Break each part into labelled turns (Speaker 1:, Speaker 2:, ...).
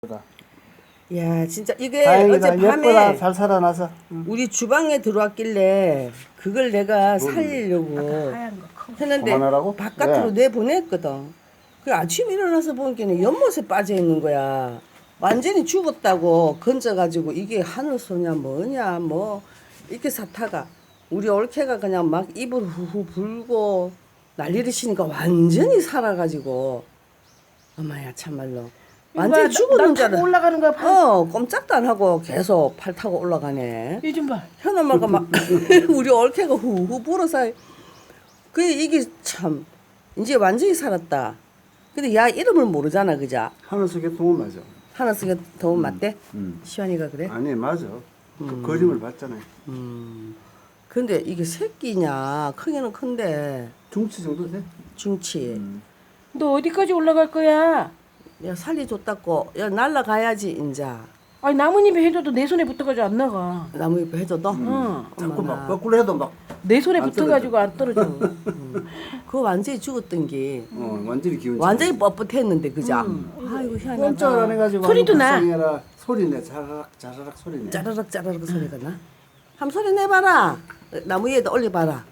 Speaker 1: 야 진짜 이게
Speaker 2: 다행이다.
Speaker 1: 어젯밤에
Speaker 2: 예쁘다. 잘 살아나서.
Speaker 1: 우리 주방에 들어왔길래 그걸 내가 살리려고 했는데
Speaker 2: 그만하라고?
Speaker 1: 바깥으로
Speaker 2: 왜?
Speaker 1: 내보냈거든. 그 아침에 일어나서 보니까 연못에 빠져 있는 거야. 완전히 죽었다고 건져가지고 이게 하늘소냐 뭐냐 뭐 이렇게 사타가 우리 올케가 그냥 막 입을 후후 불고 난리를 치니까 완전히 살아가지고 엄마야 참말로 완전히 죽었는 줄 알아.
Speaker 3: 올라가는 거야.
Speaker 1: 꼼짝도 안 하고 계속 팔 타고 올라가네.
Speaker 3: 요즘 봐.
Speaker 1: 현엄마가 막 우리 올케가 후후 불어서 그 이게 참 이제 완전히 살았다. 근데 야 이름을 모르잖아, 그자?
Speaker 2: 하늘속에 도움 맞아.
Speaker 1: 하나 쓰게 더운 맞대? 시환이가 그래?
Speaker 2: 아니 맞아. 그 거짓말 봤잖아요.
Speaker 1: 근데 이게 새끼냐? 크기는 큰데
Speaker 2: 중치 정도 돼?
Speaker 1: 중치.
Speaker 3: 너 어디까지 올라갈 거야?
Speaker 1: 야 살려줬다고. 야 날라가야지 인자.
Speaker 3: 아니 나뭇잎에 해줘도 내 손에 붙어가지고 안 나가.
Speaker 1: 나무 잎에 해줘도.
Speaker 3: 응.
Speaker 2: 자꾸 막 거꾸로 해도 막
Speaker 3: 내 손에
Speaker 2: 안
Speaker 3: 붙어가지고 안 떨어져.
Speaker 1: 그거 완전히 죽었던 게
Speaker 2: 완전히 기운.
Speaker 1: 완전히 뻣뻣했는데 그자? 아이고 희한하다.
Speaker 2: 꼼짝을 안 해가지고
Speaker 3: 소리도 나.
Speaker 2: 불쌍해라. 소리내. 자라락 자라락 소리내.
Speaker 1: 짜라락 짜라락 소리가 나. 한번 소리 내봐라. 나무 위에다 올려봐라.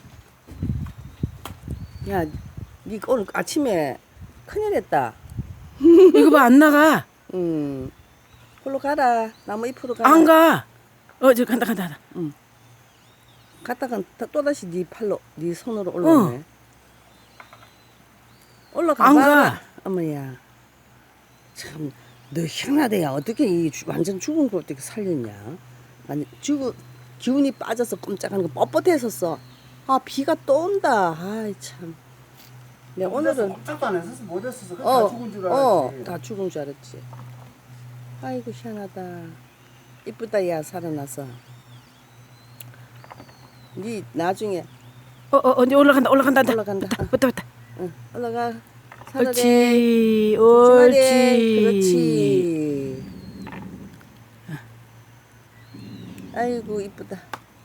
Speaker 1: 야, 니 오늘 아침에 큰일했다.
Speaker 3: 이거 봐 안 나가.
Speaker 1: 걸로 가라. 나무 잎으로 가라.
Speaker 3: 안 가. 저 간다.
Speaker 1: 갔다가 또다시 네 팔로, 네 손으로 올라오네. 올라가봐.
Speaker 3: 안 가.
Speaker 1: 어머야. 참, 너 희한하대야. 어떻게 완전 죽은 걸 어떻게 살렸냐? 아니, 기운이 빠져서 꼼짝하는 거 뻣뻣했었어. 아, 비가 또 온다. 아이, 참. 내가 오늘은.
Speaker 2: 꼼짝도 안 했었어. 못 했었어. 다 죽은 줄 알았지.
Speaker 1: 다 죽은 줄 알았지. 아이고, 희한하다. 이쁘다, 야, 살아나서. 니 나중에
Speaker 3: 언제 올라간다.
Speaker 1: 올라간다.
Speaker 3: 붙다.
Speaker 1: 응, 올라가.
Speaker 3: 옳지.
Speaker 1: 그렇지. 아이고 이쁘다.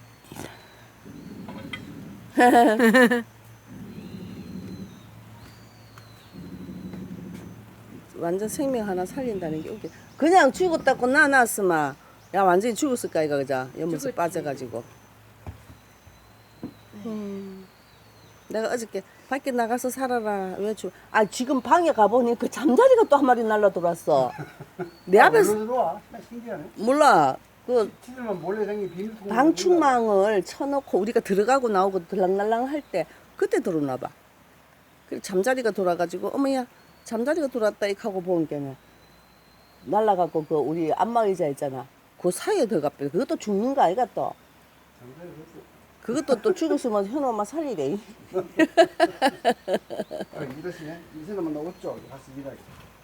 Speaker 1: 완전 생명 하나 살린다는 게 웃겨. 그냥 죽었다고 나놨으면 야 완전히 죽었을까 이거 그자 연못에 빠져가지고. 내가 어저께 밖에 나가서 살아라 왜 지금 방에 가보니 그 잠자리가 또 한 마리 날라 들어왔어. 내 앞에서
Speaker 2: 들어와. 신기하네.
Speaker 1: 몰라 그
Speaker 2: 치들만 몰래 생긴 비밀통.
Speaker 1: 방충망을 쳐놓고 우리가 들어가고 나오고 들락날락 할 때 그때 들어오나 봐. 그래 잠자리가 돌아가지고 어머야 잠자리가 돌았다 이렇게 하고 보는 게는 날라가고 그 우리 안마의자 있잖아. 그 사이에 들어갔대. 그것도 죽는 거 아이가 또. 그것도 또 죽었으면 현우 엄마 살리래.
Speaker 2: 이러시네. 이 사람은 나왔죠. 가서 일하게.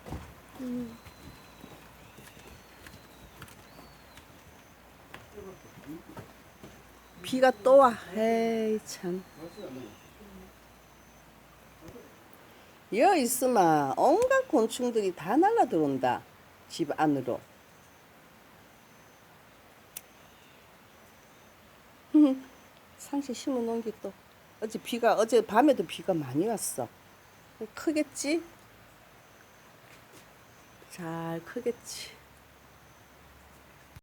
Speaker 1: 비가 또 와. 에이 참. 여 있으면 온갖 곤충들이 다 날라 들어온다. 집 안으로. 상시 심어 놓은 게 또 어제 밤에도 비가 많이 왔어. 크겠지? 잘 크겠지.